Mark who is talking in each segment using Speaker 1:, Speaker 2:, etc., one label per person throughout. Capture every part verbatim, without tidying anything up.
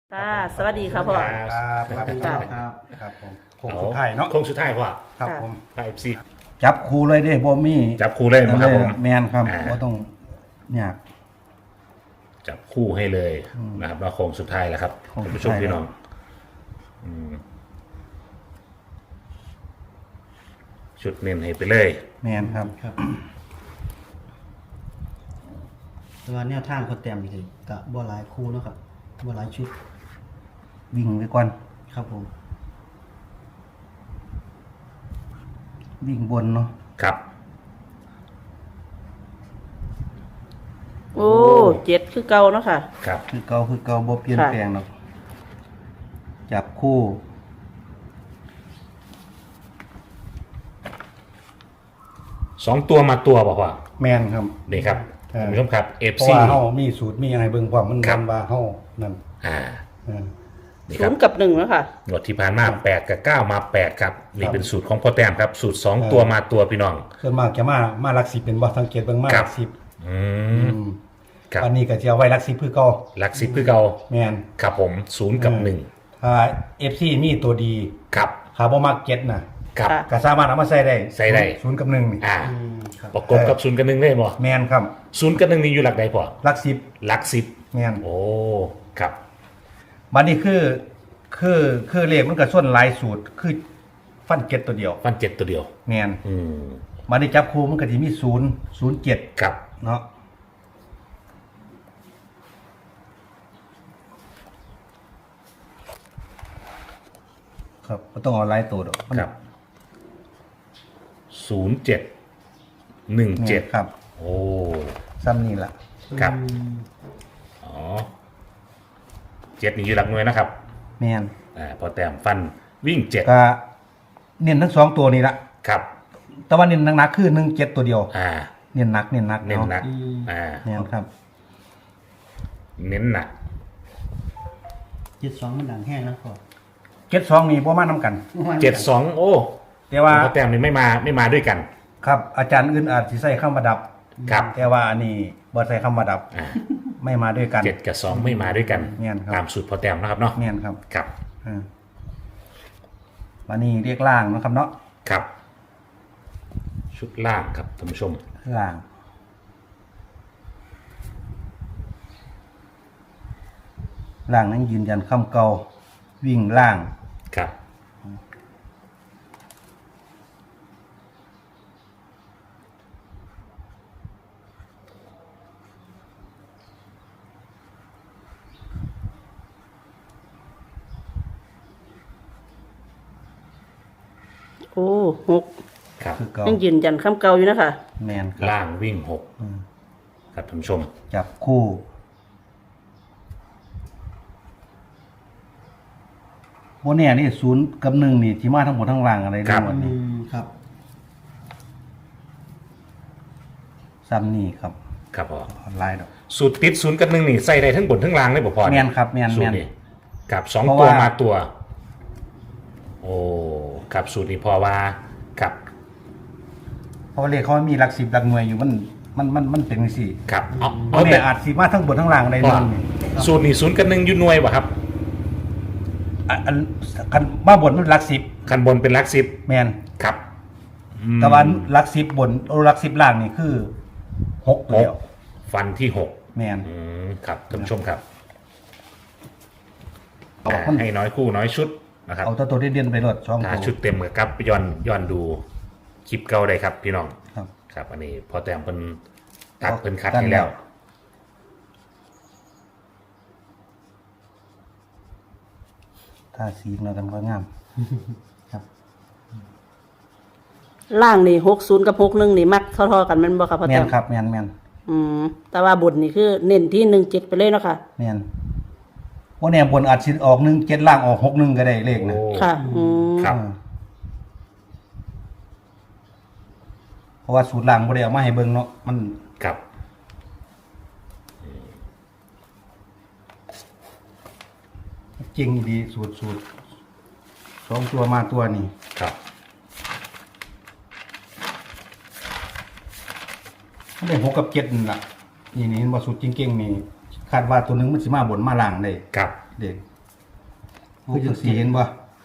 Speaker 1: ค่ะสวัสดีครับพ่อ
Speaker 2: ครับสวัสดีครับครับครับผมโค้งสุดท้ายเนาะ
Speaker 3: โค้งสุดท้ายพ่อ
Speaker 2: ครับผม
Speaker 3: ไอเอฟซี
Speaker 2: จับครูเลยเด้บ่มี
Speaker 3: จับคู่เลยนะครับผม
Speaker 2: แมนครับ
Speaker 3: อ่า
Speaker 2: บ่ต้องเนี่ย
Speaker 3: จับคู่ให้เลย
Speaker 2: อืม
Speaker 3: นะครับแล้วโค้งสุดท้ายแล้วครับ
Speaker 2: โค้ง
Speaker 3: ท่าน
Speaker 2: สุด
Speaker 3: ผู้ชม
Speaker 2: ท้าย
Speaker 3: พี่น้องอืมชุดเน้นให้ไปเลย
Speaker 2: แมนครับ
Speaker 4: ครับแต่ว่าแนวทางเขาแต้มนี่คือกะบ่หลายคู่เนาะครับบ่หลายชุด
Speaker 2: วิ่งไปก่อน
Speaker 4: ครับผม
Speaker 2: วิ่งบนเนาะ
Speaker 3: ครับ
Speaker 1: โอ้เจ็ดคือเก่าเนาะค่ะ
Speaker 3: ครับ
Speaker 2: คือเก่าคือเก่าบ่เปลี่ยน
Speaker 1: ค่ะ
Speaker 2: แปลงหรอกจับคู่
Speaker 3: สองตัวมาตัวบอกว่า
Speaker 2: แมนครับ
Speaker 3: นี่ครับ
Speaker 2: เออ
Speaker 3: ท่านผู้ชมครับเอฟ
Speaker 2: เพราะ
Speaker 3: ซี
Speaker 2: ว่าเฮามีสูตรมีอะไรเบิ่งพร้อมมัน
Speaker 3: ครับ
Speaker 2: นำว่าเฮานั่น
Speaker 3: อ่า
Speaker 2: เออ
Speaker 3: นี่
Speaker 1: ศู
Speaker 3: ครับ
Speaker 1: นย์กับหนึ่งเนาะค่ะ
Speaker 3: งวดที่ผ่านมาแปดกับเก้ามาแปดครับนี่
Speaker 2: ครับ
Speaker 3: เป็นสูตรของพ่อแต้มครับ สูตรสอง
Speaker 2: เออ
Speaker 3: ตัวมาตัวพี่น้อง
Speaker 2: ส่วนมากจะมามาหลักสิบเป็นบ่สังเกตเบิ่งมา
Speaker 3: ค
Speaker 2: ห
Speaker 3: รั
Speaker 2: ลั
Speaker 3: บ
Speaker 2: กสิบ
Speaker 3: อื
Speaker 2: อื
Speaker 3: ม
Speaker 2: ม
Speaker 3: ครับ
Speaker 2: อันนี้ก็จะเอาไว้หลักสิบคือเก่า
Speaker 3: หลักสิบคือเก่า
Speaker 2: แมน
Speaker 3: ครับผมศูนย์กับ
Speaker 2: เออ
Speaker 3: หนึ่ง
Speaker 2: ถ้า เอฟ ซี มีตัวดี
Speaker 3: ครับ
Speaker 2: ถ้าบ่มักเก็ตน่ะ
Speaker 3: ครับ
Speaker 1: ค่ะ
Speaker 2: ก็สามารถเอามาใส่ได้
Speaker 3: ใส่ได้
Speaker 2: ศูนย์กับหนึ่งนี่
Speaker 3: อ่า
Speaker 4: อืมครับ
Speaker 3: ประกบกับศูนย์กับหนึ่งได้บ่
Speaker 2: แมนครับ
Speaker 3: ศูนย์กับหนึ่งนี่อยู่หลักใดพอ
Speaker 2: หลักสิบ
Speaker 3: หลักสิบ
Speaker 2: แมน
Speaker 3: โอ้ครับ
Speaker 2: บัดนี้คือคือคือเลขมันก็ส่วนหลายสูตรคือฟันเก็ตตัวเดียว
Speaker 3: ฟันเจ็ดตัวเดียว
Speaker 2: แมน
Speaker 3: อืม
Speaker 2: บัดนี้จับคู่มันก็สิมีศูนย์ศูนย์เจ็ด
Speaker 3: ครับ
Speaker 2: เนาะครับบ่ต้องเอาหลายตัวดอกมัน
Speaker 3: ครับศูนย์เจ็ดหนึ่ง
Speaker 2: แม่
Speaker 3: เจ็ด
Speaker 2: นครับ
Speaker 3: โอ้
Speaker 2: ซ้ำนี่ล่ะ
Speaker 3: ครับ
Speaker 4: อืม
Speaker 3: อ๋อเจ็ดนี่อยู่หลักหน่วยนะครับ
Speaker 2: แมน
Speaker 3: อ่าพอแต้มฟันวิ่งเจ็ด
Speaker 2: ก็เน้นทั้งสองตัวนี่ละ
Speaker 3: ครับ
Speaker 2: แต่ว่าเน้นหนักๆคือหนึ่งเจ็ดตัวเดียว
Speaker 3: อ่า
Speaker 2: เน้นหนักเน้นหนัก
Speaker 3: เน้นหนัก
Speaker 4: อืม
Speaker 3: อ่า
Speaker 2: แมนครับ
Speaker 3: เน้นหนัก
Speaker 4: เจ็ดสองมันดังแห้งแล้วก็
Speaker 2: เจ็ดสองนี่บ่มานํกัน
Speaker 3: เจ็ดสองโอ้
Speaker 2: แต่ว่า
Speaker 3: พอแต้มนี่ไม่มาไม่มาด้วยกัน
Speaker 2: ครับอาจารย์อื่นอาจสิใส่คำว่าดับ
Speaker 3: ครับ
Speaker 2: แต่ว่าอันนี้บ่ใส่คำว่าดับ
Speaker 3: อ่า
Speaker 2: ไม่มาด้วยกัน
Speaker 3: เจ็ดกับสองไม่มาด้วยกัน
Speaker 2: แม่นครับ
Speaker 3: ตามสูตรพอแต้มนะครับเนาะ
Speaker 2: แม่นครับ
Speaker 3: ครับ
Speaker 2: อ่าวันนี้เรียกล่างเนาะครับเนาะ
Speaker 3: ครับ ชุดล่างครับท่านผู้ชม
Speaker 2: ล่างล่างนั้นยืนยันคำเก่าวิ่งล่าง
Speaker 3: ครับ
Speaker 1: โอ้หก
Speaker 3: ครับ
Speaker 2: คือเก่า
Speaker 1: ยังยืนยันคำเก่าอยู่นะคะ
Speaker 2: แมนครับ
Speaker 3: ล่างวิ่งหก
Speaker 2: อืม
Speaker 3: ครับท่านผู้ชม
Speaker 2: จับคู่โมเนี่ยนี่ศูนย์กับหนึ่งนี่ที่มาทั้งหมดทั้งล่างอะไร
Speaker 3: ครั
Speaker 2: ทั้
Speaker 3: บ
Speaker 2: งหมด
Speaker 4: อื
Speaker 2: นี่
Speaker 4: มครับ
Speaker 2: ซ้ำนี่ครับ
Speaker 3: ครับพอ
Speaker 2: ออนไลน์ดอก
Speaker 3: สูตรติดศูนย์กับหนึ่งนี่ใส่ได้ทั้งบนทั้งล่างเลยบ่พอ
Speaker 2: แม่นครับแม่น
Speaker 3: สูตร
Speaker 2: แม่น
Speaker 3: นี่กับสอง
Speaker 2: เพราะ
Speaker 3: ตัว
Speaker 2: ว่า
Speaker 3: มาตัว โอ้กับสูตรนี้พอว่ากับ
Speaker 2: เพราะว่าเลขเขามีหลักสิบหลักหน่วยอยู่มันมันมันมันเป็นสี่
Speaker 3: กับเอา
Speaker 2: เพ
Speaker 3: เอา
Speaker 2: ราะ
Speaker 3: แต่
Speaker 2: เนี่ยอาจสีมาทั้งบนทั้งล่างใน
Speaker 3: พอ
Speaker 2: นึงนี่
Speaker 3: สูตรนี้ศูนย์กับหนึ่งอยู่หน่วยบ่ครับ
Speaker 2: อันอันคันมาบนมันหลักสิบ
Speaker 3: คันบนเป็นหลักสิบ
Speaker 2: แมน
Speaker 3: ครับอืม
Speaker 2: แต่ว่าหลักสิบบนเอาหลักสิบล่างนี่คือหก
Speaker 3: ห
Speaker 2: เดี
Speaker 3: ก
Speaker 2: ยว
Speaker 3: ฟันที่หก
Speaker 2: แมน
Speaker 3: อืมครับท่านผู้ชมครับ
Speaker 2: เอา
Speaker 3: อ่า
Speaker 2: มัน
Speaker 3: ให้น้อยคู่น้อยชุดนะครับ
Speaker 2: เอาตัวตัวเด่นๆไปรถสอง
Speaker 3: ถ้า
Speaker 2: ตัว
Speaker 3: ชุดเต็มกับครับย้อนย้อนดูคลิปเก่าได้ครับ พี่น้อง
Speaker 2: ครับ
Speaker 3: ครับ อันนี้พอแต้มเป็นตัด
Speaker 2: เอา
Speaker 3: เป็นคัด
Speaker 2: กัน
Speaker 3: ให้แล้ว
Speaker 2: แล้ว ถ้าสีเราทำก็งาม
Speaker 4: ครับ
Speaker 1: ล่างนี่หกศูนย์กับหกหนึ่งนี่มักเท่าๆกันแมันบ่ครับพ่อ
Speaker 2: แม
Speaker 1: แต้
Speaker 2: น
Speaker 1: ม
Speaker 2: ครับแมนแมน
Speaker 1: อืมแต่ว่าบนนี่คือเน้นที่หนึ่งเจ็ดไปเลยเนาะค่ะ
Speaker 2: แมนว่าเนี่ยบนอาจสิออกหนึ่งเจ็ดล่างออกหกหนึ่งก็ได้เลขนะ
Speaker 3: โอ้
Speaker 1: ค่ะ อืม
Speaker 3: ครับ
Speaker 2: อ่าเพราะว่าสูตรล่างบ่ได้เอามาให้เบิ่งเนาะมัน
Speaker 3: ครับ
Speaker 2: จริงดีสูตรสูตรสองตัวมาตัวนี่
Speaker 3: ครับ
Speaker 2: มันได้หกกับเจ็ดนั่นล่ะนี่นี่เห็นบ่สูตรจริงๆนี่คาดว่าตัวหนึงมันสิมาบนมาล่างได้
Speaker 3: ครับ
Speaker 2: เด็กคือจังสี่เห็นบ่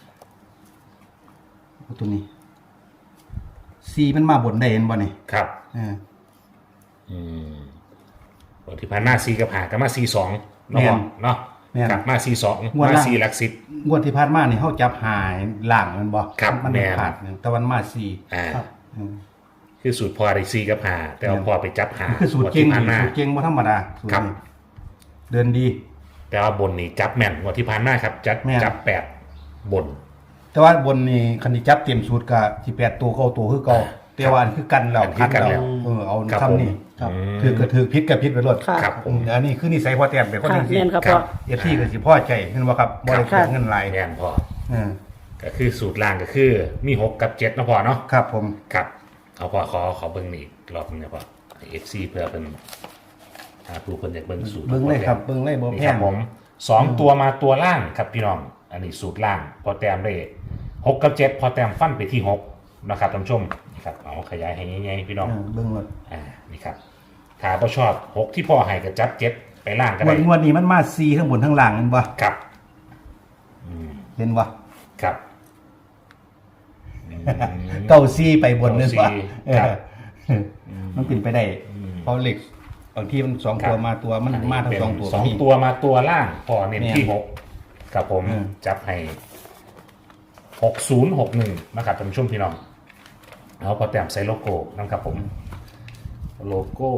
Speaker 2: เอาตัวนี้สี่มันมาบนได้เห็นบ่นี่
Speaker 3: ครับ
Speaker 2: เออ
Speaker 3: อืมวันที่ผ่านมาสี่กับหากับมาสี่สอง
Speaker 2: แม่น
Speaker 3: เนาะเนาะ
Speaker 2: แม่น
Speaker 3: กลับมาสี่สอง
Speaker 2: งวด
Speaker 3: มา
Speaker 2: ล่าง
Speaker 3: สี่หลักสิบ
Speaker 2: งวดที่ผ่านมานี่เฮาจับหายล่างมันบ่
Speaker 3: ครับ
Speaker 2: มัน
Speaker 3: แม่
Speaker 2: ไม่
Speaker 3: น
Speaker 2: ขาดหนึ่งแต่วันมาสี่
Speaker 3: อ่า
Speaker 4: ครับ
Speaker 2: อืม
Speaker 3: คือสูตรพอได้สี่กับหาแต่เอาพอไปจับหา
Speaker 2: คือสูตรเก่ง
Speaker 3: วันที่ผ่านมา
Speaker 2: สูตรเก่งบ่ธรรมดาสูตร
Speaker 3: ครับ
Speaker 2: นี้เดินดี
Speaker 3: แต่ว่าบนนี่จับแม่นงวันที่ผ่านมาครับ จับ
Speaker 2: แม่น
Speaker 3: จับแปดบน
Speaker 2: แต่ว่าบนนี่คันที่จับเต็มสูตรก็สิแปดตัวเก้าตัวคือเก่าแต่ว่าอันคือกันแล้ว
Speaker 3: อันคือกันแล้ว
Speaker 2: เออเอา
Speaker 3: ครับ
Speaker 2: ทำนี่
Speaker 4: ครับ
Speaker 3: อืม
Speaker 2: ถือก็ถือพิษก็พิษไปรถ
Speaker 1: ค่ะ
Speaker 3: ครับผม
Speaker 2: อันนี้คือนิสัยพ่อแต้มเป็นคน
Speaker 1: ค่ะ
Speaker 2: จริง
Speaker 1: แม่นครับ
Speaker 3: ครั
Speaker 1: พ่อบ
Speaker 2: เอฟซีก็สิพ่อใจเห็นบ่ครับบ่ได้
Speaker 1: ครั
Speaker 2: เสี
Speaker 1: บ
Speaker 2: ยเงินหลาย
Speaker 3: แม่นพอ
Speaker 2: เออ
Speaker 3: ก็คือสูตรล่างก็คือมีหกกับเจ็ดนะพอเนาะ
Speaker 2: ครับผม
Speaker 3: ครับเอาพอขอขอเบิ้งนี่อีกรอบนึงนะพอเอฟซีเพื่อเป็นหาผู้คนอยากเบิ้งสูตร
Speaker 2: เบิ่งเลยครับเบิ่งเลยบ่
Speaker 3: นี่
Speaker 2: แพ
Speaker 3: ครับ
Speaker 2: ง
Speaker 3: ผมสองตัวมาตัวล่างครับพี่น้อง อันนี้สูตรล่าง พอแต้มได้หกกับเจ็ดพอแต้มฟันไปที่หกนะครับท่านผู้ชมนี่ครับเอาขยายให้ง่ายๆพี่น้อง
Speaker 2: เออเบิ่งเลย
Speaker 3: อ่านี่ครับถ้าพอชอบหกที่พ่อให้กับจับเจ็ดไปล่างก็
Speaker 2: งว
Speaker 3: ได้
Speaker 2: ดงวดนี้มันมาสี่ทั้งบนทั้งล่างเห็นบ่
Speaker 3: ครับ
Speaker 2: เห็นบ่
Speaker 3: ครับ
Speaker 2: เก้าสี่ไปบนนึงบ่
Speaker 3: เก้าสี่
Speaker 2: เอ
Speaker 3: ครับ
Speaker 2: อมันเป็นไปได้เพราะเหล็กบางทีมันสองตัวมาตัวมันมาทั้งสองตัว
Speaker 3: สอง
Speaker 2: ก็มี
Speaker 3: ตัวมาตัวล่างพอเน้นที่
Speaker 2: เนี่ย
Speaker 3: หกกับผม
Speaker 2: อืม
Speaker 3: จับให้หกศูนย์หกหนึ่งนะครับท่านผู้ชมพี่น้องเอาพอแต้มใส่โลโก้นะครับผม โลโก้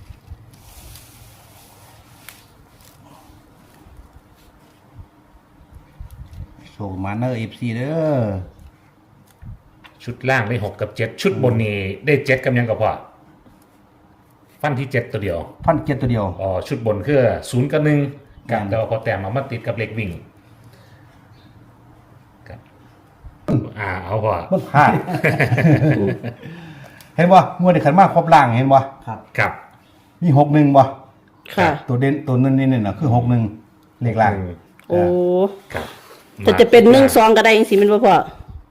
Speaker 2: โชว์มาเนอร์ เอฟ ซี เด้อ
Speaker 3: ชุดล่างได้หกกับเจ็ดชุดบนนี้ได้เจ็ดกับยังกับพอฟันที่เจ็ดตัวเดียว
Speaker 2: พันเจ็ดตัวเดียว
Speaker 3: อ๋อชุดบนคือศูนย์กับหนึ่งกับ
Speaker 2: อืม
Speaker 3: แต่ว่าพอแต้มเอามาติดกับเล็กวิ่งครับอ่าเอาพอ
Speaker 2: มันพลาด เห็นบ่งวดนี้ขันมาครบล่างเห็นบ่
Speaker 4: ครับ
Speaker 3: ครับ
Speaker 2: มีหกหนึ่งบ่
Speaker 1: ค่ะ
Speaker 2: ตัวเด่นตัวนั้นนี่น่ะคือหกหนึ่งเลขล่าง
Speaker 1: โอ้
Speaker 3: ครับ
Speaker 1: แต่จะเป็นหนึ่งสองก็ได้ยังสิแมันบ่พ่อ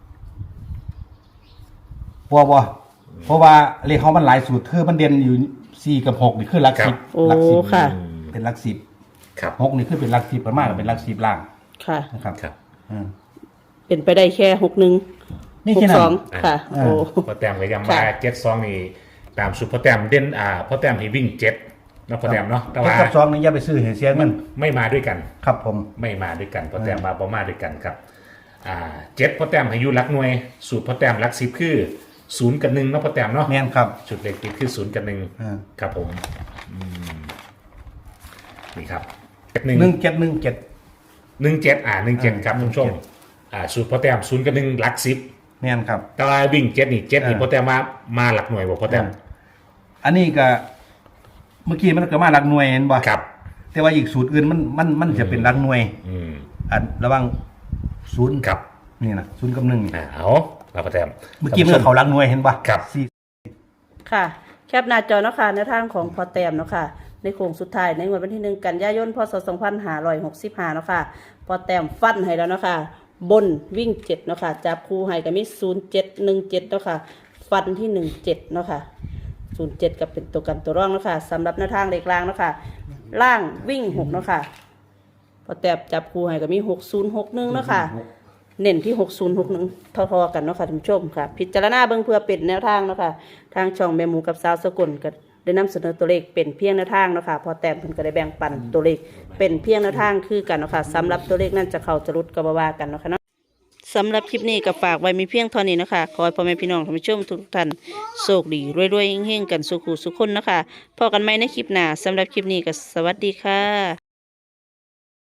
Speaker 2: บ่บ่เพราะว่าเลขเขามันหลายสูตรคือมันเด่นอยู่สี่กับหกนี่คือหลักสิบ
Speaker 1: โอ้
Speaker 2: หลัสิบ
Speaker 1: ค่ะ
Speaker 2: เป็นหลักสิบ
Speaker 3: ครับ
Speaker 2: หกนี่คือเป็นหลักสิบประมาณเป็นหลักสิบล่าง
Speaker 1: ค่ะ
Speaker 2: นะครับ
Speaker 3: ครับ
Speaker 2: อืม
Speaker 1: เป็นไปได้แค่หกหนึ่ง
Speaker 2: นี่
Speaker 1: ห
Speaker 2: แค่
Speaker 1: ก
Speaker 2: นั้
Speaker 1: สอง
Speaker 2: น
Speaker 1: ค่ะ
Speaker 2: อ่า
Speaker 1: โอ้
Speaker 3: พอแต้มก็ยังมา
Speaker 1: ค่ะ
Speaker 3: เจ็ดสองนี่ตามสุดพอแต้มเด่นอ่าพอแต้มให้วิ่งเจ็ดเนาะพอแต้มเนาะแต่
Speaker 2: เจ็ด
Speaker 3: ว่า
Speaker 2: กับสองนี่อย่าไปซื้อเห็นเสียเงิน
Speaker 3: ไม่มาด้วยกัน
Speaker 2: ครับผม
Speaker 3: ไม่มาด้วยกันพอแต้มมาประมาด้วยกันครับอ่าเจ็ดพอแต้มให้อยุรักหน่วย สูตรพอแต้มรักสิบคือศูนย์กับหนึ่งเนาะพอแต้มเนาะ
Speaker 2: แม่นครับ
Speaker 3: ชุดเล็กติดคือศูนย์กับหนึ่ง
Speaker 2: อ่า
Speaker 3: ครับผมอืมนี่ครับเจ็ดหนึ่ง
Speaker 2: หนึ่งเจ็ดหนึ่งเจ็ด
Speaker 3: หนึ่งเจ็ดอ่าหนึ่งเจ็ด
Speaker 2: อ่า
Speaker 3: ครับคุณผู้ชมอ่าสูตรพอแต้มศูนย์กับหนึ่งรักสิบ
Speaker 2: แม่นครับ
Speaker 3: แต่ว่าวิ่งเจ็ดนี่เจ็ดนี่
Speaker 2: อ่า
Speaker 3: พอแต้มมามาหลักหน่วยบอกพอแต้ม
Speaker 2: อันนี้ก็เมื่อกี้มันก็มาหลักหน่วยเห็นบ่
Speaker 3: ครับ
Speaker 2: แต่ว่าอีกสูตรอื่นมันมันมันจะเป็นหลักหน่วย
Speaker 3: อืม
Speaker 2: อันระหว่างศูนย์
Speaker 3: ครับ
Speaker 2: นี่นะศูนย์กับหนึ่งนี่
Speaker 3: อ่าเอาเราพอแต้ม
Speaker 2: เมื่อกี้มันก็เขาหลักหน่วยเห็นป่ะ
Speaker 3: ครับ
Speaker 2: สี่
Speaker 1: ค่ะ แคปหน้าจอเนาะค่ะในทางของพอแต้มเนาะค่ะ ในโค้งสุดท้ายในงวดวันที่หนึ่งกันยายนพศสองพันห้าร้อยหกสิบห้าเนาะค่ะพอแต้มฟันให้แล้วเนาะค่ะบนวิ่งเจ็ดเนาะค่ะจับคู่ให้ก็มีศูนย์เจ็ดหนึ่งเจ็ดเนาะค่ะฟันที่หนึ่งเจ็ดเนาะค่ะศูนย์เจ็ดกับเป็นตัวกันตัวร่องเนาะค่ะสำหรับแนวทางเลขล่างเนาะค่ะล่างวิ่งหกเนาะค่ะพอแต้มจับคู่ให้ก็มีหกศูนย์หกหนึ่งเนาะค่ะ เน้นที่หกศูนย์หกหนึ่งทอๆกันเนาะค่ะท่านผู้ชมค่ะ พิจารณาเบิ่งเพื่อเป็นแนวทางเนาะค่ะทางช่องแม่หมูกับสาวสกุลก็ได้นำเสนอตัวเลขเป็นเพียงแนวทางเนาะค่ะพอแต้มเพิ่นก็ได้แบ่งปันตัวเลขเป็นเพียงแนวทางคือกันเนาะค่ะสำหรับตัวเลขนั้นจะเข้าจะรุดก็บ่ว่ากันเนาะค่ะเนาะสำหรับคลิปนี้ก็ฝากไว้มีเพียงเท่านี้นะคะขอให้พ่อแม่พี่น้องท่านผู้ชมทุกท่านโชคดีรวยๆเฮงๆกันสุขุสุขคนเนาะคะพอกันใหม่ในคลิปหน้าสำหรับคลิปนี้ก็สวัสดีค่ะ